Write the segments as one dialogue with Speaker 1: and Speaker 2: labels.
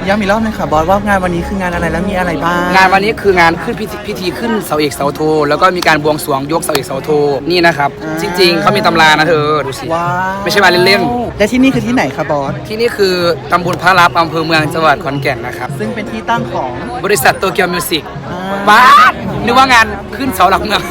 Speaker 1: ย้ำอีกรอบนึงค่ะบอสว่างานวันนี้คืองานอะไรแล้วมีอะไรบ้าง
Speaker 2: งานวันนี้คืองานขึ้นพิธีขึ้นเสาเอกเสาโทแล้วก็มีการบวงสรวงยกเสาเอกเสาโทนี่นะครับจริงๆเขามีตำรานะเธอดูสิ
Speaker 1: ว้าว
Speaker 2: ไม่ใช่มาเล่น
Speaker 1: และที่นี่คือที่ไหนคะบอส
Speaker 2: ๆที่นี่คือตำบลพระลับอำเภอเมืองจังหวัดขอนแก่นนะครับ
Speaker 1: ซึ่งเป็นที่ตั้งของ
Speaker 2: บริษัทโตเกียวมิวสิก
Speaker 1: อ่า
Speaker 2: บ้านึกว่างานขึ้นเสาหลักเมือง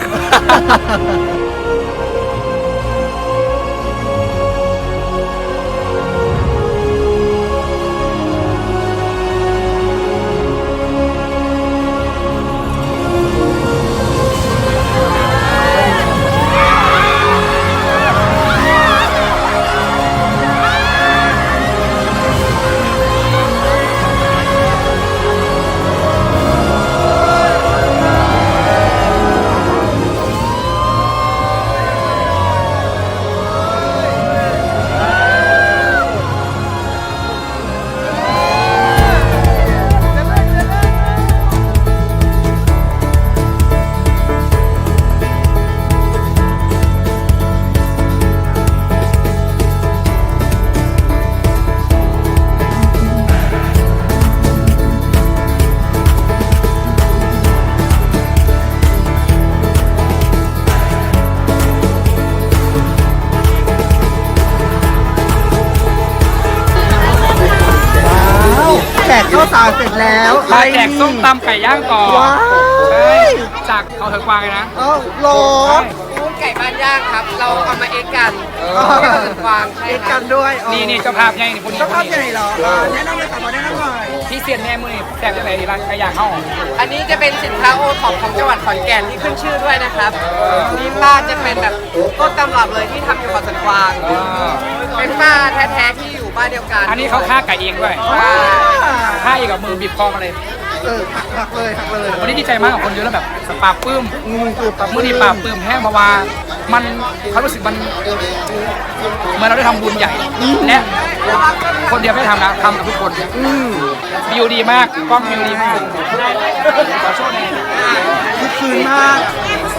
Speaker 1: แจกข้าวสารเสร็จแล้ว
Speaker 2: มาแจกส้มตำไก่ย่างก่อน
Speaker 1: ว้า
Speaker 2: ใช่
Speaker 1: ย
Speaker 2: จากเขาเถอะกวางเลยนะ
Speaker 1: เอ้าโหล
Speaker 3: กุ้งไก่บ้านย่างครับ เราเอามาเอ็กกัน กวางใช่
Speaker 1: เอ็ก
Speaker 3: ค
Speaker 1: กั
Speaker 3: รับ
Speaker 1: นด้วย
Speaker 2: นี่เจ้าภาพใหญ่นี่คนนี้
Speaker 1: เจ้า
Speaker 2: ค
Speaker 1: ภาพ
Speaker 2: น
Speaker 1: ใหญ่
Speaker 2: นี้
Speaker 1: เหรอแนะนำเลยค่ะบอสแนะนำหน่อย
Speaker 2: พี่เซียนแน่มือนี่แจกจะไหนดีร้านไก่ย่างเข้า
Speaker 3: อันนี้จะเป็นสินค้าโอท็อปของจังหวัดขอนแก่นที่ขึ้นชื่อด้วยนะครับนี่ป้าจะเป็นแบบต้นตำรับเลยที่ทำอยู่กับสันกวาง เป็นป้าแท้ๆที่อยู่บ้านเดียวกัน
Speaker 2: อันนี้เขาฆ่าไก่เองด้วย
Speaker 3: ใช่
Speaker 2: ฆ่าเองกับมือบีบคอมาเลย
Speaker 1: หักเลยหักเลย
Speaker 2: วันนี้ดีใจมากกับคนเยอะแล้วแบบปราบปลื้ม
Speaker 1: คือปรับ
Speaker 2: มือนี่ปราบปลื้มแห้งเพราะว่ามันเขารู้สึกมันเหมื่อนเราได้ทำบุญใหญ่และคนเดียวไม่ทำนะทำกับทุกคนวิวดีมากกล้องวิวดีมากขอโชว์หน่อย
Speaker 1: คือคืนมาก